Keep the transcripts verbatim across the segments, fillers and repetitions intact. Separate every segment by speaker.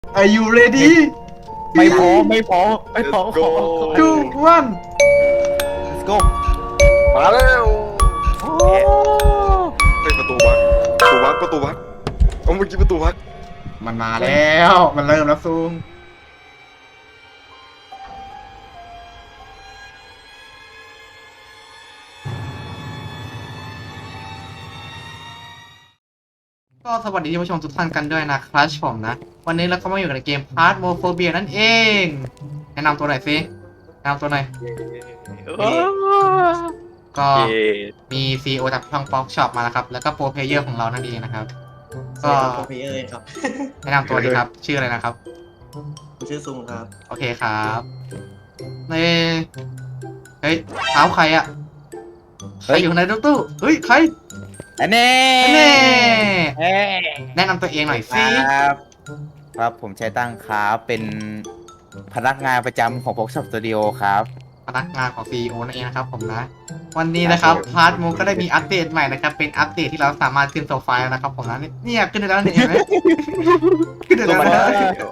Speaker 1: Are you ready
Speaker 2: ไม่พอไม่พอไม่พอ
Speaker 3: Let's go
Speaker 1: two one
Speaker 2: let's go
Speaker 3: มาแล้ว
Speaker 2: โอ้
Speaker 3: เฮ้ยประตูวัดประตูวัดประตูวัดเอาเมื่อกี้ประตูวัด
Speaker 1: มันมาแล้วมันเริ่มแล้วซูมก็สวัสดีท่านผู้ชมทุกท่านกันด้วยนะครับผมนะวันนี้เราก็มาอยู่ในเกม Phasmophobia นั่นเองแนะนำตัวหน่อยสิแนะนำตัวหน่อยก็มี ซี อี โอ จากช่อง Fox Shop มาแล้วครับแล้วก็โปรเพลเยอร์ของเรานั่นเองนะครับก็
Speaker 4: โปรเพลเยอร์ครับ
Speaker 1: แนะนำตัวดีครับชื่ออะไรนะครับ
Speaker 4: ผมชื่อซุงครับ
Speaker 1: โอเคครับในเฮ้ยเท้าใครอะใครอยู่ในรถตู้เฮ้ยใคร
Speaker 2: อันนี้
Speaker 1: แน่
Speaker 2: เอ้ย
Speaker 1: แนะนำตัวเองหน่อยสิ
Speaker 2: ครับครับผมชัยตั้งครับเป็นพนักงานประจำของ Fox Shop Studio ครับ
Speaker 1: พนักงานของ ซี อี โอ นั่นเองนะครับผมนะวันนี้นะครับพาร์ทมูก็ได้มีอัปเดตใหม่นะครับเป็นอัปเดตที่เราสามารถขึ้นโซฟาแล้วนะครับผมนะเนี่ยขึ้นได้แล้วเนี่ยเห็นไหมขึ้นได้แล้วนะ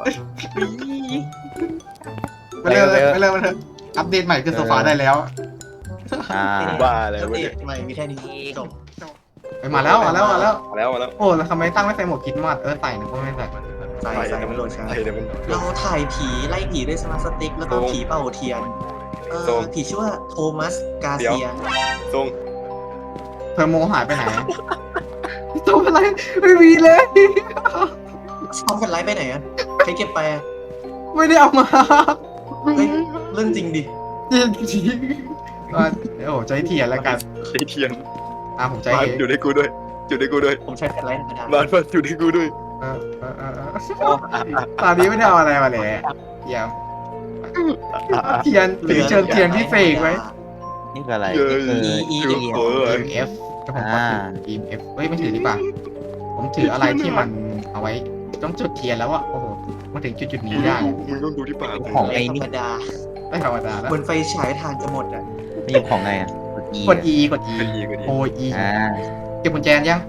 Speaker 1: ไปเลยไปเลยมาเถอะอัปเดตใหม่ขึ้นโซฟาได้แล้ว
Speaker 2: อ่า
Speaker 3: บ้าอะไร
Speaker 4: อัป
Speaker 3: วะ
Speaker 4: เด
Speaker 3: เนี่
Speaker 4: ต
Speaker 3: ย
Speaker 4: ใหม่มีแค่นี้จบ
Speaker 1: ไปมาแล้วมาแล้วมาแล้ว
Speaker 3: มาแล้วมาแล้ว
Speaker 1: โอ้แล้วทำไมตั้งไม่ใส่หมวกคิดมัดเออใส่นะก็ไม่ใส่
Speaker 4: ใส่ใส่มันโหลดช้า
Speaker 3: ใส่เดี๋ยวมัน
Speaker 4: เราถ่ายผีไล่ผีด้วยสมาร์ทสติ๊กแล้วก็
Speaker 3: โอ้
Speaker 4: ผีเป่าเทียนเอ
Speaker 3: โอ้
Speaker 4: อผีชื่อว่าโทมัสกา
Speaker 3: เดี๋ยว
Speaker 4: เซีย
Speaker 3: ทรง
Speaker 1: เธอโมหายไปไหนตัวอะไรไม่มีเลย
Speaker 4: เอาแฟลชไลท์ไปไหนอะใครเก็บไปอะ
Speaker 1: ไม่ได้เอามา
Speaker 4: เฮ้ยเรื่องจริงดิ
Speaker 1: จริงจริงก็โอ้ใจเทียนแล้วกัน
Speaker 3: ใช้เทียน
Speaker 1: อ่ะผมใจ
Speaker 3: บ้าน
Speaker 1: เทียน
Speaker 3: อยู่ในกูด้วยอยู่ในกูด้วย
Speaker 4: ผมใช้แฟลชไลท์ธรรมดา
Speaker 3: บ้านบ้านอยู่ในกูด้วย
Speaker 1: เออเออเออเออตอนนี้ไม่ได้เอาอะไรมาเลยเทียมเทียนถือเชิญเทียนพิเศษไว้
Speaker 2: นี่คืออะไร
Speaker 3: เย้
Speaker 2: นี่คือ
Speaker 4: อี
Speaker 3: อยู่
Speaker 4: อี
Speaker 3: เออ
Speaker 1: E M F ก็ผมก็ถือ E M F เฮ้ยไม่ถือดีป่ะผมถืออะไรที่มันเอาไว้ต้องจุดเทียนแล้วอะโอ้โหมาถึงจุดจุดนี้ได้
Speaker 3: มึงต้องดูที่ปาก
Speaker 2: ของ
Speaker 4: ไล
Speaker 2: ไอ้
Speaker 4: ท์ธร
Speaker 2: นี่
Speaker 4: รมดา
Speaker 1: ไม่ธรรมดาแล้ว
Speaker 4: เหมือนไฟฉายทานจะหมดอะ
Speaker 2: นี่ของไงอ่ะกด E
Speaker 1: กด E กด E
Speaker 3: ก็ดีก็ดี
Speaker 1: โอ E
Speaker 2: อ่า
Speaker 1: เก็บกุญแจยัง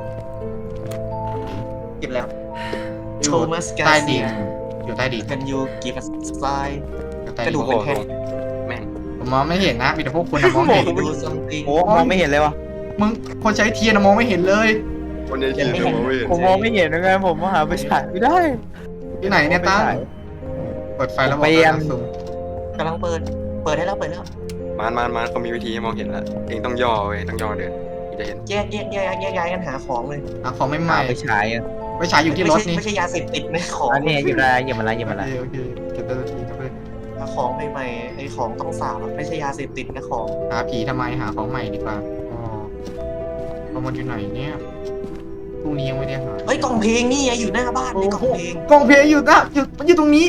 Speaker 4: เก็บแล้ว
Speaker 1: อ
Speaker 4: โท
Speaker 1: ยู่
Speaker 4: มัสกา
Speaker 1: ใต้
Speaker 4: เซี
Speaker 1: ดิ
Speaker 4: ย
Speaker 1: นอยู่ใต้ดิน
Speaker 4: กันยูกีฟัสไล
Speaker 1: อยู่ใต้
Speaker 4: กระ
Speaker 1: ดิ
Speaker 4: ดู
Speaker 1: น
Speaker 4: กเป็นแท่ง
Speaker 3: แม่ง
Speaker 1: ผมมองไม่เห็นนะมีแต่พวกคุณนะมองเห็น
Speaker 4: ดูซัมติง
Speaker 2: โอ้มองไม่เห็นเลยวะ
Speaker 1: มึงคนใช้เทียนนะมองไม่เห็นเลย
Speaker 3: วันนี้เทียนมองไม่เห็น
Speaker 2: ผมมองไม่เห็นยังไงผมมาหาไปฉายไม่ได้
Speaker 1: ที่ไหนเนี่ยตั้งเปิดไฟแล้วบอก
Speaker 2: เปลี่ยน
Speaker 1: นะซูม
Speaker 4: กำลังเปิด เปิดให้แล้วเปิดแล้ว
Speaker 3: มานมานมานเขามีวิธีให้มองเห็นแล้วเองต้องย่อเว้ยต้องย่อเดินถึงจะเห็น
Speaker 4: แยกแยกแยกแยกย้ายกันหาของเลย
Speaker 1: อ่ะของไม่ให
Speaker 2: หา
Speaker 1: ม่
Speaker 2: ไปฉายอ่ะ
Speaker 1: ไปฉายอยู่ที่รถนี่
Speaker 4: ไม่ใช่ไม่ใช่ยาเสพติดนะของ
Speaker 2: อันนี้อยู่อะไรอย่ามาละอย่ามาละ
Speaker 1: โอเคโอเคเก็บได้ทันทีครับเลย
Speaker 4: หาของใหม่ๆไอ้ของต้องสาบอะไม่ใช่ยาเสพติดนะของ
Speaker 1: หาผีทำไมหาของใหม่ดีกว่าอ๋อเอามันอยู่ไหนเนี่ยพรุ่งนี้ยังไม่ได้หา
Speaker 4: เฮ้ยกล่องเพลงนี่ไงอยู่หน้าบ้านในกล่องเพลง
Speaker 1: กล่องเพลงอยู่นะอยู่มันอยู่ตรงนี้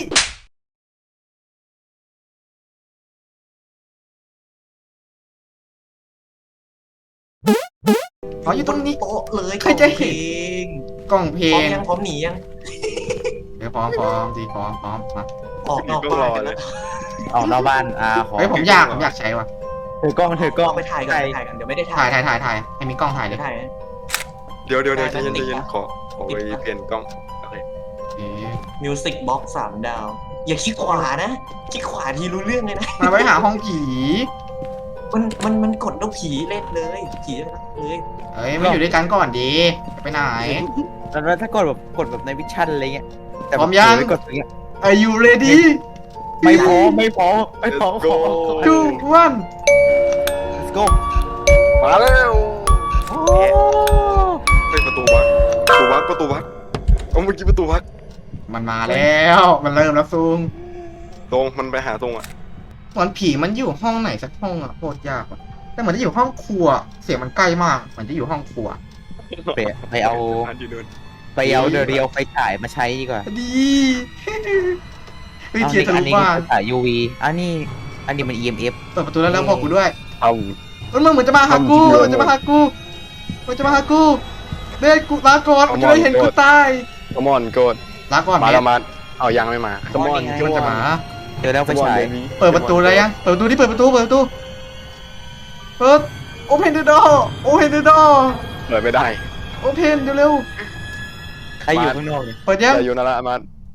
Speaker 1: อ๋ออยู่ตรงนี้
Speaker 4: โต๊ะเลย
Speaker 1: ใครจะเห็น
Speaker 4: น
Speaker 1: กล่องเพล
Speaker 4: พร้อม
Speaker 1: ง
Speaker 4: ยังพร้อมหนียัง
Speaker 1: เดี๋ยวพร้อมพร้อมดีพร้อมพร้อมมา
Speaker 4: ออกนอกบ้านกันแล้ว
Speaker 2: ออกนอกบ้านอ่าขอ
Speaker 1: เฮ้ยผมอยากผมอยากใช้ว่ะ
Speaker 2: ถือกล้องถือกล้อง
Speaker 4: เอาไปถ่ายกันไปถ่ายกันเดี๋ยวไม่ได้
Speaker 1: ถ่า
Speaker 4: ถ่าย ย
Speaker 1: ถ่ายถ่ายถ่ายให้มีกล้องถ่ายเล
Speaker 4: เดี๋ย
Speaker 1: ยว
Speaker 4: ถ่ายนะ
Speaker 3: เดี๋ยวเดี๋ยวเดี๋ยวใจ
Speaker 4: ได้
Speaker 3: เย็น
Speaker 4: ติ
Speaker 3: ใจ
Speaker 4: ด
Speaker 3: เย็น
Speaker 4: ปะ
Speaker 3: ขอขอไปเปลี่ยนกล้องโอเค
Speaker 1: เอ๊ะ
Speaker 4: มิวสิกบ็อกซ์สามดาว อย่าคิดขวานะคิดขวาทีรู้เรื่องเลยนะ
Speaker 1: มาไว้หาห้องผี
Speaker 4: มันมันมันกดแล้วผีเล่นเลยผีเล่นเลย
Speaker 1: เอ้ยมาอยู่ด้วยกันก่อนดีจะไปไหน
Speaker 2: แล้วถ้ากดแบบกดแบบในวิชั่นอะไรเงี้ยแต่
Speaker 1: พร้อมยัง
Speaker 2: ไม่กดอย่างเงี้ย
Speaker 1: Are you ready
Speaker 2: ไม่พอไม่พอไม่พอ
Speaker 3: Let's go
Speaker 1: two one
Speaker 2: let's go
Speaker 3: มาแล้ว
Speaker 2: โอ้
Speaker 3: เฮ้ยประตูวัดประตูวัดประตูวัดเอาเมื่อกี้ประตูวัด
Speaker 1: มันมาแล้วมันเริ่มแล้วซูม
Speaker 3: ตรงมันไปหาตรงอ่ะ
Speaker 1: เหมือนผีมันอยู่ห้องไหนสักห้องอะโคตรยากอะแต่เหมือนจะอยู่ห้องครัว เสียงมันใกล้มากเหมือนจะอยู่ห้องครัว
Speaker 2: ไปไปเอา
Speaker 3: นอยู่นู่น
Speaker 2: ไปเอาเดเรียวไฟฉายมาใช้ดีกว่า
Speaker 1: ดีเฮ้ยเทียนทะ
Speaker 2: อั
Speaker 1: ลุ
Speaker 2: นี้
Speaker 1: บ้าน
Speaker 2: ไฟฉาย ยู วี อันนี้อันนี้มัน อี เอ็ม เอฟ
Speaker 1: เปิดประตูแล้วแล้วบอกกูด้วย
Speaker 3: เอา
Speaker 1: มันมึงเหมือนจะมาหากูมันจะมาหากูมันจะมาหากูเบสกูลาก่อนมันจะได้เห็นกูตาย
Speaker 3: ขมอนโกด
Speaker 1: ลาก่อน
Speaker 3: มา
Speaker 1: เบ
Speaker 3: แล้ว
Speaker 1: ส
Speaker 3: มาเอายังไม่มาขมอน
Speaker 1: มันจะมา
Speaker 2: เจอแล้วไฟฉาย
Speaker 1: เปิดประตูแล้วยังเปิดประตูที่เปิดประตูเปิดประตูเปิด open the door open the door
Speaker 3: เปิดไม่ได้
Speaker 1: open เร็ว
Speaker 2: ใครอยู่ข้างนอกเนี่ย
Speaker 1: ๆเปิดยัง
Speaker 3: อย่าอยู่นั่นละมา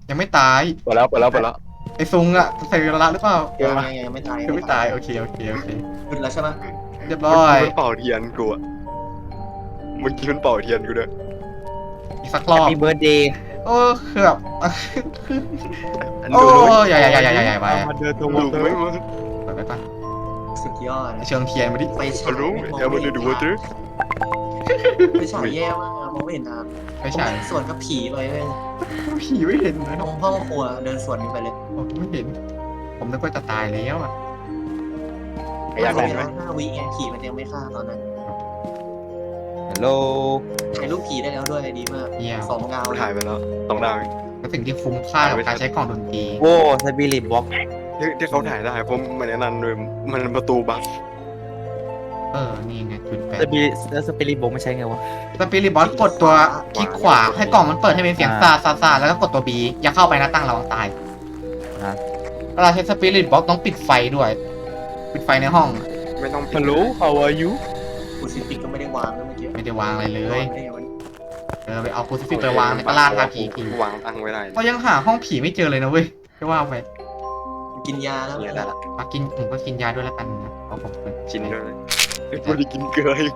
Speaker 1: ยังไม่ตาย
Speaker 3: เปิดแล้วเปิดแล้วเปิดแล้ว
Speaker 1: ไอ้ซุงอะใส่เวลาหรือเปล่า
Speaker 4: ยังยังยังไม่ตาย
Speaker 1: คือไม่ตายโอเคโอเคโอเค
Speaker 4: หยุดแล้วใช่ไหม
Speaker 1: เรียบ
Speaker 3: เมื่
Speaker 1: ร้
Speaker 3: อ
Speaker 1: อย
Speaker 3: กี้มันเป่าเทียนกูอะเมื่อกี้มันเป่าเทียนกูด้วย
Speaker 1: อีกสักรอบ
Speaker 2: มีเบิร์ดเดย์
Speaker 1: โอ้คือแบบ
Speaker 3: อัน
Speaker 1: โอ้
Speaker 3: ดูเลย
Speaker 1: ยใหญ่ใหญ่ใหญ่ใหญ่ใหญ่ไป
Speaker 2: มาเดินตรง
Speaker 3: ดูไม่มึง
Speaker 1: ไปไปก่อน
Speaker 4: สุดยอด
Speaker 1: เชิงเทียนมาดิ
Speaker 4: ไฟฉา
Speaker 3: เขา
Speaker 4: ย
Speaker 3: รู้
Speaker 4: มอง
Speaker 3: เอลมันดูว่าตื้อ
Speaker 4: ไฟฉายแย่มากมองไม่เห็นทาง
Speaker 1: ไม่ใช่
Speaker 4: ผมสวนกับผีไปเลย
Speaker 1: ผีไม่เห็นนะ
Speaker 4: ตรงห้องครัวเดินสวนกันไปเลย
Speaker 1: ผมไม่เห็น ผมนึกว่าจะตายแล้วอะ
Speaker 3: อยาก
Speaker 4: เว
Speaker 3: เห็นไหม
Speaker 4: ลาห้าวิไงผีมันยังไม่ฆ่าตอนนั้น
Speaker 2: ฮัลโหล
Speaker 4: ถ่ายรูปผีได้แล้วด้วยดีมาก
Speaker 1: เยี่ยม
Speaker 4: สองดาว
Speaker 3: มันถ่ายไปแล้วสองดาว
Speaker 1: เป็นสิ่งที่คุ้มค่ากับการใช้กล่องดนตรี
Speaker 2: โอ้สปิริตบ็อก
Speaker 3: ที่ที่เขาถ่ายได้เพราะมันแนะนำเลยมันประตูบัส
Speaker 1: เออ นี่ไงจุดแปด
Speaker 2: สปิริตแล้วสปิริตบ็อกไม่ใช่ไงวะ
Speaker 1: สปิริตบอสกดตัวคลิกขวาให้กล่องมันเปิดให้เป็นเสียงซาซาซาแล้วก็กดตัว B อย่าเข้าไปนะตั้งระวังตาย
Speaker 2: ฮะ
Speaker 1: เวลาใช้สปิริตบอสต้องปิดไฟด้วย ปิดไฟในห้อง
Speaker 3: ไม่ต้องปิด
Speaker 2: ฮัลโหล how are you
Speaker 4: คูซิฟิกก็ไม่ได้วางนะเมื่อกี้
Speaker 1: ไม่ได้วางอะไรเล
Speaker 4: วาย งได้ไงวะ
Speaker 1: เออไปเอาคูซิฟิกไปวางในกระลาดทาผีผี
Speaker 3: วางตั้งไว้ได้
Speaker 1: ก็ยังหาห้องผีไม่เจอเลยนะเว้ยจะว่าไป
Speaker 4: กินยาแล้ว
Speaker 3: เนี่ยได้ละ
Speaker 1: มากินผมก็กินยาด้วยแล้วกันนะเพราะผมเป็น
Speaker 3: กินด้วยไม่ได้กินเกลืออีก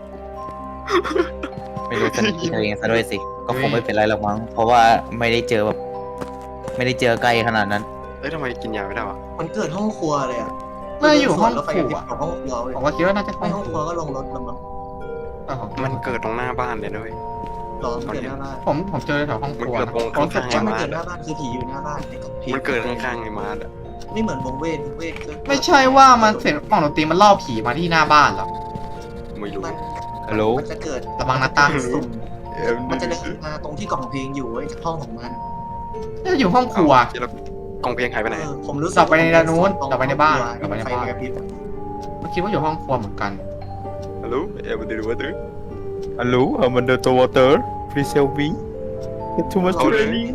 Speaker 2: ไม่รู้จะกินตัวเองซะด้วยสิ ก็คงไม่เป็นไรหรอกมั้ง เพราะว่าไม่ได้เจอแบบ ไม่ได้เจอใกล้ขนาดนั้น
Speaker 3: เอ้ยทำไมกินยาไม่ได้วะ
Speaker 4: มันเกิดห้องครัวเลยอ่ะ
Speaker 1: น่าอยู่ห้อง
Speaker 4: แล้วไฟ
Speaker 1: ค
Speaker 4: ก
Speaker 1: รั
Speaker 4: ระพริบ
Speaker 1: ว
Speaker 4: กับห้องครัวเลย
Speaker 1: ผมว่าคิดว่าน่าจะห้
Speaker 4: ไม่
Speaker 1: อง
Speaker 4: ห้อง
Speaker 1: ค
Speaker 4: ค
Speaker 1: รั
Speaker 4: รั
Speaker 1: ว
Speaker 4: วก็ลงรถแล้วมั้ง
Speaker 1: เออผม
Speaker 3: มันเกิดตรงหน้าบ้านเลยนะเว้ย
Speaker 4: รอมันเกิดหน้าบ้าน
Speaker 1: ผมผมเจอแถวห้องครัว
Speaker 3: มันเกิด
Speaker 1: นะ
Speaker 3: ตรง
Speaker 1: ผมรู้สึก
Speaker 3: ข้าง
Speaker 1: ว่า
Speaker 3: ๆ
Speaker 4: ถ้ามันเกิดหน้าบ้านคือผีอยู่หน้าบ้านไอ้กับผี
Speaker 3: มันเกิดข้างๆไอ้มาร์ดอะ
Speaker 4: ไม่เหมือนวงเวทวงเวทก็
Speaker 1: ไม่ใช่ว่ามันเสียงกล่องดนตรีมันล่อผีมาที่หน้าบ้านเหรอ
Speaker 3: ไม่รู้
Speaker 4: มัน
Speaker 2: ฮัลโหล
Speaker 4: มันจะเกิด
Speaker 1: ระวังนะตั้ง
Speaker 4: สุ่ม
Speaker 3: เอ็ม
Speaker 4: มันจะเดินมาตรงที่กล่องเพลงอยู่ไอ้จากห้องของมัน
Speaker 1: น่าจะอยู่ห้องครัว
Speaker 3: แล้วกองเพลงหายไปไหน
Speaker 4: เออผมรู้สึก
Speaker 1: กลับไปในด้านนู้น
Speaker 4: ตรง
Speaker 1: กลับไปในบ้าน
Speaker 4: ห้องครัว
Speaker 1: กลับไปในบ้าน
Speaker 4: ไฟกระพริบ
Speaker 1: เมื่อกี้ว่าอยู่ห้องครัวเหมือนกัน
Speaker 3: ฮัลโหลเอ็มดูว่าตื้อ
Speaker 2: ฮัลโหล I'm under the water please help me get too much
Speaker 3: เอาเลย
Speaker 2: training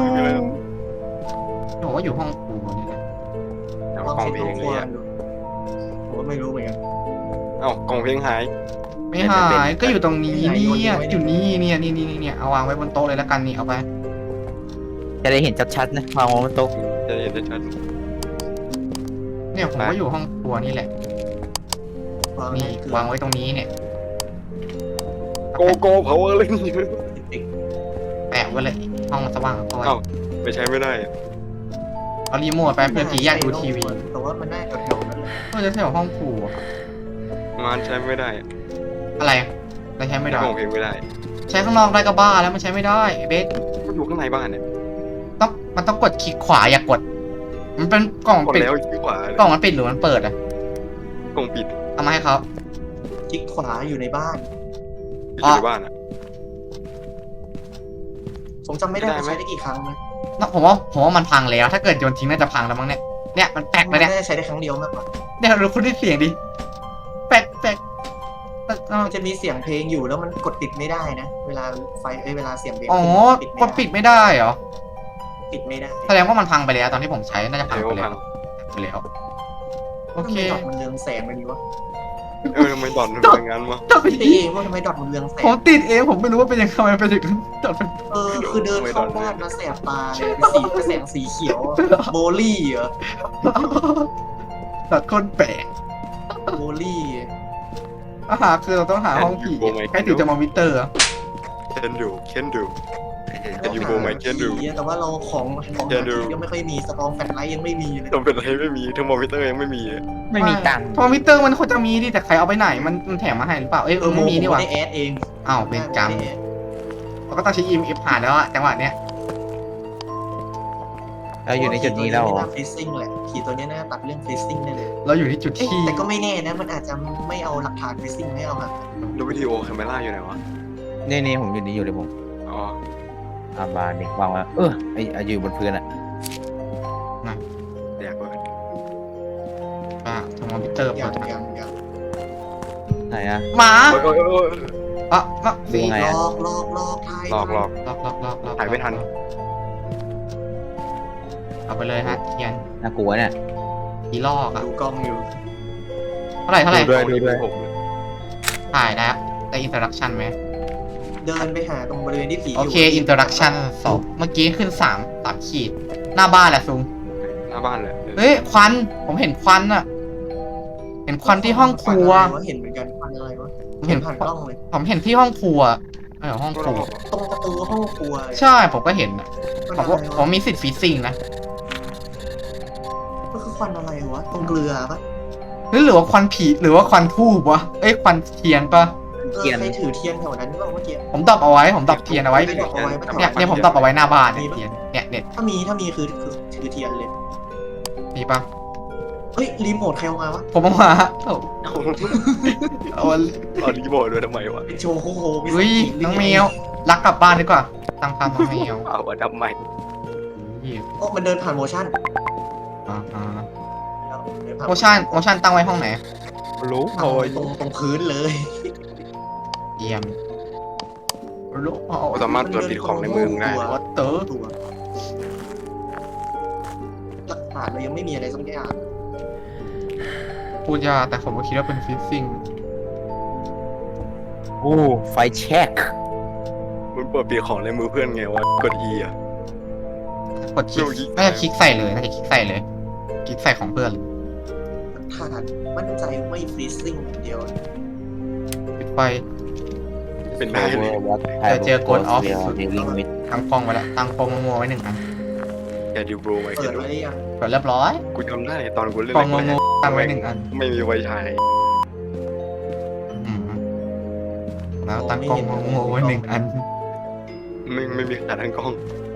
Speaker 1: ผมว่าอยู่ห้องครัวนี่แหละ
Speaker 3: เอา
Speaker 4: ลอง
Speaker 3: กอง
Speaker 4: เช็ค
Speaker 3: เพล
Speaker 4: ห้อง งครัว
Speaker 3: เลยอะ
Speaker 4: ดูผมก็ไม่รู้เหมือนกัน
Speaker 3: เอ้ากองเพลงหาย
Speaker 1: ไม่หายก็อยู่ตรงนี้เนี่ยอยู่นี่เนี่ยนี่นี่เนี่ยเอาวางไว้บนโต๊ะเลยแล้วกันนี่เอาไป
Speaker 2: จะได้เห็นชัดๆนะวางบนโต๊ะ
Speaker 3: จะเห็นได้ชัด
Speaker 1: เนี่ยผมก็อยู่ห้องครัวนี่แหละ
Speaker 4: วาง
Speaker 1: นี่
Speaker 4: ให้เกิด
Speaker 1: วางไว้ตรงนี้เนี่ย
Speaker 3: โกโก้เผาอะไรนี่
Speaker 4: ติ๊ก
Speaker 1: แปะไว้เลยห้องสว่างเข้าไว้
Speaker 3: เอ้าไม่ใช้ไม่ได้
Speaker 1: เอารีโมทไปเพื่อผีอยากดูทีวี
Speaker 4: แต่ว่ามันน่าจะแถวๆนั้นแหละ
Speaker 1: ก็จะใช้ห้องครัว
Speaker 3: มันใช้ไม่ได้
Speaker 1: อะไรเราใช้ไม่ได้
Speaker 3: กองเพลงไม่ได้
Speaker 1: ใช้ข้างนอกได้ก็บ้าแล้วมันใช้ไม่ได้เบส
Speaker 3: ก็อยู่ข้างในบ้านเนี่ย
Speaker 1: ต้องมันต้องกดคลิกขวาอย่ากด มันเป็นกล่อง
Speaker 3: กด
Speaker 1: ปิด
Speaker 3: แล้วที่ขวาก
Speaker 1: ล่องมันปิดหรือมันเปิดอะ
Speaker 3: กองปิด
Speaker 1: เอามาให้เขา
Speaker 4: คลิกขวาอยู่ในบ้าน
Speaker 3: อยู่ในบ้านอ่ะ
Speaker 4: ผมจำไม่ได้
Speaker 3: ได้
Speaker 4: ว่า
Speaker 3: ไหม
Speaker 4: ใช้ได้กี่ครั้งนะ
Speaker 1: นะผมว่าผมว่ามันพังแล้ว ถ้าเกิดโยนทิ้งน่าจะพังแล้วมั้งเนี่ยเนี่ยมันแปลกไปเนี่ย
Speaker 4: น่าจะใช้ได้ครั้งเดียวมากกว่า
Speaker 1: เนี่ยเราคุณได้เสียงดิแปลกแปลกแปลกเอา
Speaker 4: มันจะมีเสียงเพลงอยู่แล้วมันกดปิดไม่ได้นะ เวลาไฟเอ้ยเวลาเสียงเพลง
Speaker 1: อ๋อ
Speaker 4: ขึ้น
Speaker 1: กดปิดไม่ได้เหรอ
Speaker 4: ปิดไม่ได้
Speaker 1: แสดงว่ามันพังไปแล้วตอนที่ผมใช้น่าจะพัง
Speaker 3: เดี๋ยว
Speaker 1: ไปแล้
Speaker 3: พั
Speaker 1: ว
Speaker 3: ง
Speaker 1: ไปแล้วโอ
Speaker 4: ทำ
Speaker 1: เค
Speaker 4: ไมดอทมันเรืองแสงไปนี้วะ
Speaker 3: เออทำไมดอนมันเป็นงั้นวะ
Speaker 1: ต้องไป
Speaker 4: ตีเองว่าทำไมดอทมันเรืองแส
Speaker 1: ผม
Speaker 4: ง
Speaker 1: ติดเองผมไม่รู้ว่าเป็นยังไงทำไมเป็นอย่างนั้นตอนเป็น
Speaker 4: เออคือเดินเข้าบ้านมาแสบตาเลยสีแสงสีเขียวโบลี่เหรอ
Speaker 1: ตัดคนแปลก
Speaker 4: โบลี่
Speaker 1: อาหารคือเราต้องหาห้องผีใครถึงจะมาวิเตอร์อะ
Speaker 3: เคนดูเคนดู จะอยู่โบไหมเคนดู
Speaker 4: แต่ว่าเราของของ
Speaker 3: เคนดู
Speaker 4: ยังไม่ค่อยมีสตองแฟลชไลท์ยังไม่มีเลย
Speaker 3: ต้องเป็นอะไรไม่มีเทอร์โมมิเตอร์ยังไม่มี
Speaker 2: ไม่มีตังค์
Speaker 1: พอวิเตอร์มันควรจะมีดิแต่ใครเอาไปไหนมันมันแถมมาให้หรือเปล่าเอ้ย
Speaker 4: เออโม
Speaker 1: ไม่มีนี่หว่า
Speaker 4: ได้แอดเอง
Speaker 1: อ้าวเป็นกรรมเราก็ต้องใช้อีเอฟผ่านแล้วอะจังหวะเนี้ย
Speaker 2: เราอยู่ในจุดนี้แล้วเหรอ
Speaker 4: ฟรีซิ่งแหละขี่ตัวนี้น่าตัดเรื่องฟรีซิ่งได้เลย
Speaker 1: เราอยู่ที่จุด
Speaker 4: เอ๊ะ
Speaker 1: ที่
Speaker 4: แต่ก็ไม่แน่นะ มันอาจจะไม่เอาหลักฐานฟรีซิ่งไม่เอามา
Speaker 3: แล้ววิดีโอแคมเมราอยู่ไหนวะ
Speaker 2: นี่นี่ผมอยู่นี่อยู่เลยผม
Speaker 3: อ๋อ
Speaker 2: อาบานนี่วางไว้เออไอไอ้อยู่บนพื้นอะ
Speaker 3: เดี๋ยวก่อน
Speaker 1: อ่ะทำวิเตอร์
Speaker 4: อ
Speaker 1: เปิ
Speaker 4: ย่าง
Speaker 1: ด
Speaker 4: อย่างอย่าง
Speaker 2: ไหนอะ
Speaker 1: หมา
Speaker 3: โอ้ยโอ้ยโอ้ย
Speaker 1: อ่ะอ่ะ
Speaker 2: ดูไง
Speaker 4: ล
Speaker 2: อะ
Speaker 4: อกลอกลอกทาย
Speaker 3: หลอกหลอก
Speaker 1: ล็อกล็อกล็อกล็อก
Speaker 3: ถ่ายไม่ทัน
Speaker 1: เอาไปเลยฮะเทียน
Speaker 2: น่ากลัวเนี่ย
Speaker 1: ผีลอกอะ
Speaker 4: ดูกล้องอยู่
Speaker 1: เท่าไหร่เท่าไหร่
Speaker 2: ดูด้วยดูด้วย
Speaker 3: ผม
Speaker 1: ถ่ายแล้วแต่อินสตรักชั่นไหม
Speaker 4: เดินไปหาตรงบริเวณที่ผีอยู่
Speaker 1: โอเคอินโทรดักชั่นสองเมื่อกี้ขึ้นสามสามขีด หน้าบ้านแหละซุง
Speaker 3: หน้าบ้านแหละ
Speaker 1: เฮ้ยควันผมเห็นควันอะเห็นควันที่ห้องครัว
Speaker 4: ควันอะไรวะเห็นเหมือนกันควันอะไรวะ
Speaker 1: ผมเห็น
Speaker 4: ผ่านกล้องเลย
Speaker 1: ผมเห็นที่ห้องครัวเออห้องครัว
Speaker 4: ตรงประตูห้องครัวเลย
Speaker 1: ใช่ผมก็เห็นอะ
Speaker 4: ควัน
Speaker 1: ผม
Speaker 4: อะไร
Speaker 1: ว่าผ
Speaker 4: วะ
Speaker 1: มมีสิทธิ์ฟีซิ่งนะ
Speaker 4: ก็คือควันอะไรวะตรงเกลือปะ
Speaker 1: หรือหรือว่าควันผีหรือว่าควันทูบวะเอ้ยควันเทียนปะ
Speaker 4: เออใครถือเทียนแถวนั้นบ้างเมื่อกี้
Speaker 1: ผมดับเอาไว้ผมดับเทียนเอาไว้
Speaker 4: ไม่ดับเอาไว้ไม่ดับ
Speaker 1: เนี่ยเนี่ยผมดับเอาไว้หน้าบ้านเนี่ยเทียนเนี่ยเนี่ย
Speaker 4: ถ้ามีถ้ามีคือคือถือเทียนเลย
Speaker 1: มีปะ
Speaker 4: เฮ้ยรีโมทใครเอามาวะ
Speaker 1: ผมเอามาเอา
Speaker 3: เอา
Speaker 1: เอา
Speaker 3: เอารีโมทด้วยทำไมวะ
Speaker 4: เป็นโชว์โคโฮมี
Speaker 1: เฮ้ย
Speaker 4: สติ
Speaker 1: น้องแมวรักกลับบ้านดีกว่าตั้งคำน้องแมว
Speaker 3: เอาอะดับใหม่
Speaker 1: เหี้ย
Speaker 4: โอ้มันเดินผ่านโมชั่น
Speaker 1: อ่าฮะ
Speaker 4: เดิผ่า
Speaker 1: โมชั่นโมชั่นตั้งไว้ห้องไหน
Speaker 3: รู้
Speaker 4: เอาไว้ตรงตรงพื้นเลย
Speaker 1: เยี่ยมรู้เอา
Speaker 3: เราสามารถตรวจปิดของในมือมึงได้
Speaker 1: วัตเตอร์
Speaker 4: ตัวหลักฐานเรายังไม่มีอะไรสักอย่าง
Speaker 1: พูดยากแต่ผมก็คิดว่าเป็นฟิซซิ่ง
Speaker 2: โอ้ไฟแช็ค
Speaker 3: มึงเปิดปิดของในมือเพื่อนไงวะกด E อ่ะ
Speaker 1: กดคลิก
Speaker 3: ไม่รู้ยิง
Speaker 1: น่าจะคลิกใส่เลยน่าจะคลิกใส่เลยคลิกใส่ของเพื่อนเลย
Speaker 4: หลักฐานมั่นใจไม่ฟรีซิ่งอย่างเดียว
Speaker 1: ปิดไฟ
Speaker 3: เป็นได้เลย
Speaker 1: จะเจอ Ghost of
Speaker 2: ดีลิงมิด
Speaker 1: ตั้งกล้องไว้แล้วตั้งกล้องมัวๆไว้หนึ่งอัน
Speaker 3: แกดิวโบรไว้
Speaker 4: เปิ
Speaker 3: แก
Speaker 4: ด
Speaker 3: ดู
Speaker 4: ไว้หรือยัง
Speaker 1: เปิดเรียบร้อย
Speaker 3: กูจำได้ตอนกูเล่น
Speaker 1: กล้อง
Speaker 3: แร
Speaker 1: มัว
Speaker 3: ก
Speaker 1: ๆตั้งไว้หนึ่งอัน
Speaker 3: ๆไม่มีไวใช้
Speaker 1: อืมแล้วตั้งกล้องมัวๆไว้หนึ่งอัน
Speaker 3: ไม่ไม่มีขาทั้งกล้อง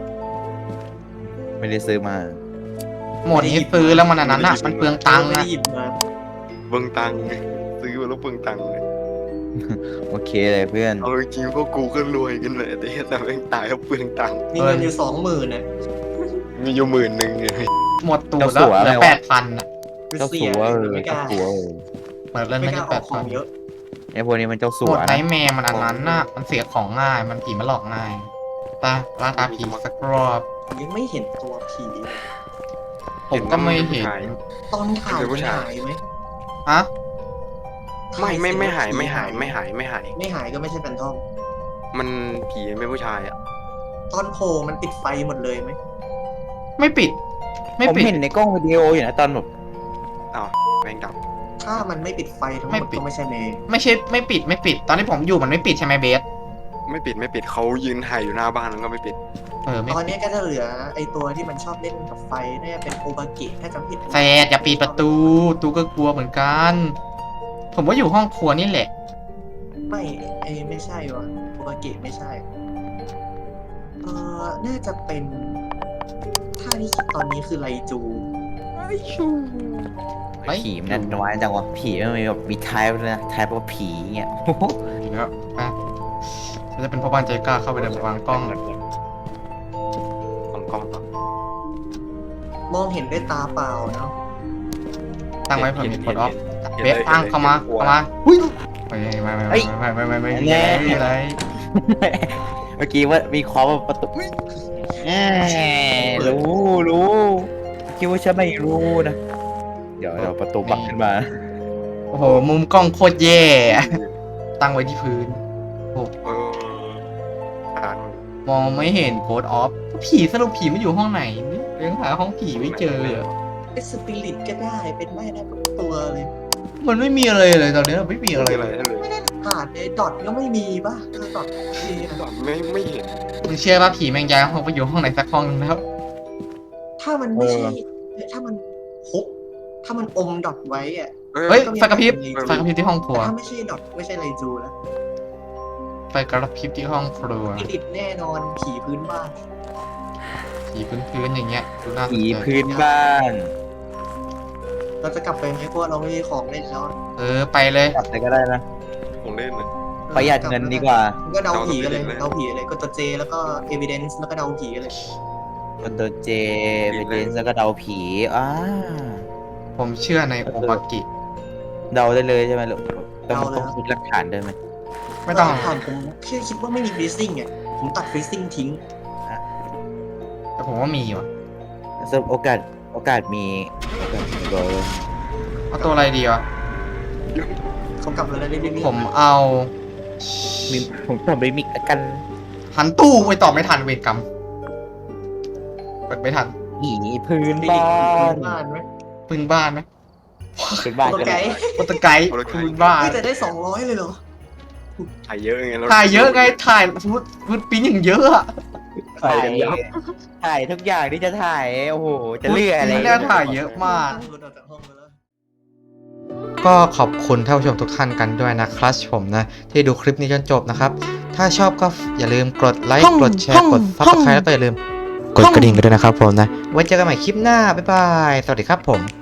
Speaker 2: ไม่ได้ซื้อมา
Speaker 1: หมดนี้ซื้อแล้วมันอันนั้นอ่ะมันเปลืองตังค์
Speaker 4: ไม่
Speaker 1: นะ
Speaker 4: ได้หยิบมา
Speaker 3: เบิ่งตังค์ซื้อมาแล้วเบิ่งตังค์เลย
Speaker 2: โอเคเลยเพื่อน
Speaker 3: เอาจริงๆพวกกูก็รวยกันเลยแต่เหี้ยแต่แม่งตายเพราะเปลืองตังค์
Speaker 4: มีเงินอยู่สองหมื่นน่ะ
Speaker 3: มีอยู่หมื่นหนึ่งไง
Speaker 1: หมดตูดแล้วเหลือแปดพันอ่ะ
Speaker 2: เจ้าสัวเออ
Speaker 4: ไม่ก
Speaker 2: เจ้า
Speaker 4: ล้า
Speaker 2: สัวเออ
Speaker 1: เปิดเล่น
Speaker 4: ไม่
Speaker 1: ไม่
Speaker 4: ก
Speaker 1: ได้
Speaker 4: ล้าอ
Speaker 1: แป
Speaker 4: อก
Speaker 1: ด
Speaker 4: ขอ
Speaker 1: พั
Speaker 4: ง
Speaker 1: น
Speaker 4: เยอะ
Speaker 2: ไอ้พวกนี้มันเจ้าสั
Speaker 1: หม
Speaker 2: ว
Speaker 1: ดไน
Speaker 2: นะ
Speaker 1: ท์แมร์มันอันนั้นน่ะมันเสียของง่ายมันผีมันหลอกง่ายตาล่าตาผีสักรอบ
Speaker 4: ยังไม่เห็นตัวผีเลย
Speaker 1: ผมก็ไม่เห็น
Speaker 4: ตอนถ่ายมันหายไหม
Speaker 1: ฮะ
Speaker 3: ไม่ไม่ไม่หายไม่หายไม่หายไม่หาย
Speaker 4: ไม่หายก็ไม่ใช่แฟนทอม
Speaker 3: มันผีเป็นผู้ชายอ่ะ
Speaker 4: ตอนโผล่มันติดไฟหมดเลยไหม
Speaker 1: ไม่ปิด ไม่
Speaker 2: ผม
Speaker 1: ปิด
Speaker 2: เห็นในกล้องวิดีโออยู่นะตอนแบบ
Speaker 3: อ้าวแม่งดับ
Speaker 4: ถ้ามันไม่ปิดไฟทั้งห
Speaker 1: ไม่
Speaker 4: มด
Speaker 1: ปิด
Speaker 4: ก็ไม่ใช่เมย์
Speaker 1: ไม่ใช่ไม่ปิดไม่ปิด ตอนที่ผมอยู่มันไม่ปิดใช่ไหมเบส
Speaker 3: ไม่ปิดไม่ปิดเขายืนถ่ายอยู่หน้าบ้านแล้วก็ไม่ปิด
Speaker 1: เออไม่
Speaker 4: ตอนนี้ก็จะเหลือไอตัวที่มันชอบเล่นกับไฟน่าจะเป็นโอบาเกะถ้าจำผิด
Speaker 1: แซดอย่าปิดประตูตูก็กลัวเหมือนกัน ผมว่าอยู่ห้องครัวนี่แหละ
Speaker 4: ไม่ไอไม่ใช่วะโอบาเกะไม่ใช่ เออน่าจะเป็นถ้าที่คิดตอนนี้คือไลจู
Speaker 1: ไม่
Speaker 2: ผีมันนั่นน้อยจังวะผีมันมีแบบมีไทป์ด้วยนะไทป์ว่าผีเงี้ย
Speaker 1: อีกแล้วอ่ะฉันจะเป็นพ่อบ้านใจกล้าเข้าไปเดินวางกล้อง
Speaker 3: ของกล้องต่อ
Speaker 4: มองเห็นด้วยตาเปล่าเนาะ
Speaker 1: ตั้งไว้เผื่อมีกดออฟ
Speaker 3: ห็น
Speaker 1: เบ
Speaker 3: ห็
Speaker 1: ส
Speaker 3: น
Speaker 1: ตั้ง
Speaker 3: ห็น
Speaker 1: เข้ามา
Speaker 3: ห็น
Speaker 1: เข้ามาหุ้ยไม่ไม่ไม่ไม่ไม่ไม่ไม่ไม่ไม่ไม่อะไร
Speaker 2: เมื่อกี้ว่ามีเคอประตูแหมรู้รู้คิดว่าฉันไม่รู้นะ เดี๋ยวเดี๋ยวประตูบักขึ้นมา
Speaker 1: โอ้โหมุมกล้องโคตรแย่ ตั้งไว้ที่พื้น
Speaker 3: เอออ่าน
Speaker 1: มองไม่เห็นโค้ดออฟผีสรุปผีมันอยู่ห้องไหนเนี่ยยังหาห้องผีไม่เจอเลยอะ
Speaker 4: เป็นสปิริตก็ได้เป็นได้ได้ทุกตัวเลย
Speaker 1: มันไม่มีอะไรเลยตอนนี้ไม่มีอะไร
Speaker 3: อะไร
Speaker 1: เลย
Speaker 3: เลย
Speaker 4: ไม่ได้ผ่านเลยดอทก็ไม่มีป่ะเออดอทมีอะ
Speaker 3: ไม่ไม่เห็น
Speaker 1: มึงเชื่อป่ะผีแมงยายห้องไปอยู่ห้องไหนสักห้องนึงแล้ว
Speaker 4: ถ้ามันไม่ใช่ถ้ามันฮุบถ้ามันอมดอทไว้อะ
Speaker 1: เฮ้ยไฟกระพริบไฟกระพริบที่ห้องครัว
Speaker 4: แต่ถ้าไม่ใช่ดอทไม่ใช่ไลจูแล้ว
Speaker 1: ไฟกระพริบที่ห้องครัว
Speaker 4: สปิริตแน่นอนผีพื้นบ้าน
Speaker 1: ผีพื้นๆอย่างเงี้ยดูน่าสน
Speaker 2: ผี
Speaker 1: ใจ
Speaker 2: พื้นบ้าน
Speaker 4: เราจะกลับไปไหมเพราะว่าเราไม่มีของเล่นแล้ว
Speaker 1: เออไปเลย
Speaker 2: กลับไปก็ได้นะ
Speaker 3: ของเล่นนะ
Speaker 2: ประหยัดเงินดีกว่า
Speaker 4: ก็เดาผีกันเลย
Speaker 3: เดาผี
Speaker 4: เดาผีเลยก็ตัวเจแล้วก็ evidence แล้วก็เดาผีกันเลย
Speaker 2: กดตัวเจไปเล่นแล้วก็เดาผีอ่า
Speaker 1: ผมเชื่อในโอบากิ
Speaker 2: เดาได้เลยใช่ไหมลูกต้องต้องคิดหลักฐานด้วยไหม
Speaker 1: ไม่ต้อง
Speaker 4: ผ่านผมแค่คิดว่าไม่มี freezing อ่ะผมตัด freezing ทิ้ง
Speaker 1: แต่ผมว่ามีว่ะ
Speaker 2: สำหรับโอกาสโอกาสมีโอกาสมีโดย
Speaker 1: เอาตัวอะไรดีวะ
Speaker 4: เขากลับแล้วนะเรื่อยๆ
Speaker 1: ผมเอา
Speaker 2: มีผมตอบรีมิกกัน
Speaker 1: หันตู้ไปตอบไม่ทันเวรกรรมกดไม่ทัน
Speaker 2: อีพื้นบ้าน
Speaker 4: บ้านไหม
Speaker 1: พึ่งบ้านไหม
Speaker 2: พื้นบ้าน
Speaker 4: ตัว
Speaker 2: กัน
Speaker 4: ไก
Speaker 2: เลย
Speaker 4: ด์
Speaker 1: โปรตุไกด์พึ่งบ้าน
Speaker 4: เฮ้ยแต่ได้สองร้อยเลยเหรอ
Speaker 3: ถ่ายเยอะไงเรา
Speaker 1: ถ่ายเยอะไงถ่ายฟุตฟุตปิ้นอย่างเยอะอะ
Speaker 2: ถ่ายถ่ายทุกอย่างที่จะถ่ายโอ้โหจะเลือกอะไร
Speaker 1: ฟุตปิ้นเนี่ยถ่ายเยอะมาก
Speaker 4: หลุดออกจากห้องไปแล้ว
Speaker 1: ก็ขอบคุณท่านผู้ชมทุกท่านกันด้วยนะครับผมนะที่ดูคลิปนี้จนจบนะครับถ้าชอบก็อย่าลืมกดไลค์กดแชร์กดซับสไครต์แล้วก็อย่าลืมกดกระดิ่งกันด้วยนะครับผมนะไว้เจอกันใหม่คลิปหน้าบ๊ายบายสวัสดีครับผม